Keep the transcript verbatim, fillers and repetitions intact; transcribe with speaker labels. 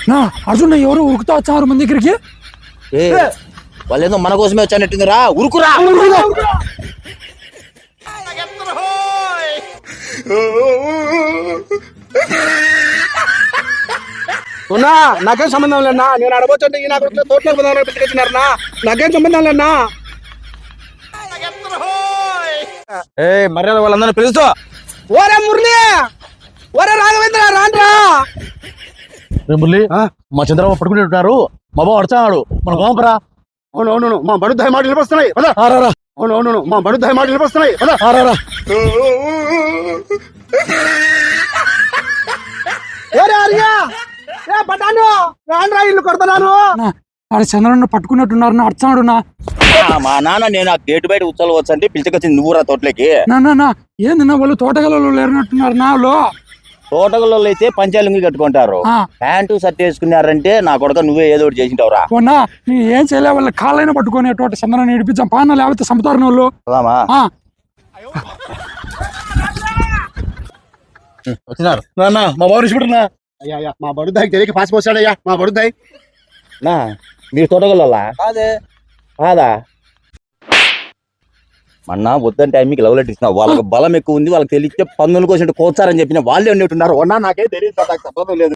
Speaker 1: నా అర్జున్ ఎవరు ఉరుకుతా వచ్చారు మన దగ్గరికి.
Speaker 2: ఏ వాళ్ళేదో మన కోసమే వచ్చానట్టుందిరా, ఉరుకురా.
Speaker 3: ఉన్నా నాకేం సంబంధం లేనా, నేను అడగొచ్చంటే ఈ నాకు తోటలోకి పోదామని పిలిచినారనా, నాకేం సంబంధం లేనా.
Speaker 2: ఏ మర్యాద వాళ్ళందరినీ పిలుస్తూ.
Speaker 3: ఓరే మురళి, ఓరే రాఘవేంద్ర రాండ్రా.
Speaker 2: మురళి మా చంద్రబాబు పట్టుకుంటున్నారు, మా బాబు అడుచాడు, మన గోంపరా.
Speaker 3: అవునవును మా బడుద్దాయి మాటలు వినిపిస్తున్నాయి. అవునవును మా బడుద్దాయి మాటలు వినిపిస్తున్నాయి. ఇల్లు కొడుతున్నారు.
Speaker 1: ఆడ చంద్రన్న పట్టుకున్నట్టున్నారు అర్చాడు. నా
Speaker 2: మా నాన్న నేను ఆ గేటు బయట ఉత్సవాలు వచ్చంటే పిలిచికొచ్చింది నువ్వురా తోటలోకి.
Speaker 1: నా ఏంది నా వాళ్ళు తోటగలలో లేరునట్టున్నారు. నాలో
Speaker 2: తోటగల్లో అయితే పంచాలింగి కట్టుకుంటారు, ప్యాంటు షర్ట్ వేసుకున్నారంటే నా కొడుక నువ్వే ఏదో ఒకటి చేసింటావురా.
Speaker 1: పోనా నీ ఏం చేయలే, వాళ్ళ కాళ్ళైనా పట్టుకొని తోట చంద్రన్న నడిపించాం పాన, లేకపోతే చంపుతారు వాళ్ళు.
Speaker 2: వచ్చినారు నాన్న, మా బాబు ఇచ్చిపెట్టున్నా.
Speaker 3: అయ్యా మా బడుద్దాయికి తెలియక పాసి పోసాడయ్యా మా బడుద్దాయి.
Speaker 2: నా మీరు తోటగల్లా
Speaker 3: కాదే
Speaker 2: కాదా? మొన్న వద్దంటే మీకు లవ్ లెటర్ ఇచ్చిన, వాళ్ళకి బలం ఎక్కువ ఉంది, వాళ్ళకి తెలిస్తే పందులు కోసినట్టు కోచారని చెప్పిన వాళ్ళే ఉన్నట్టున్నారు. నాకే తెలియదు, నాకు సంబంధం లేదు.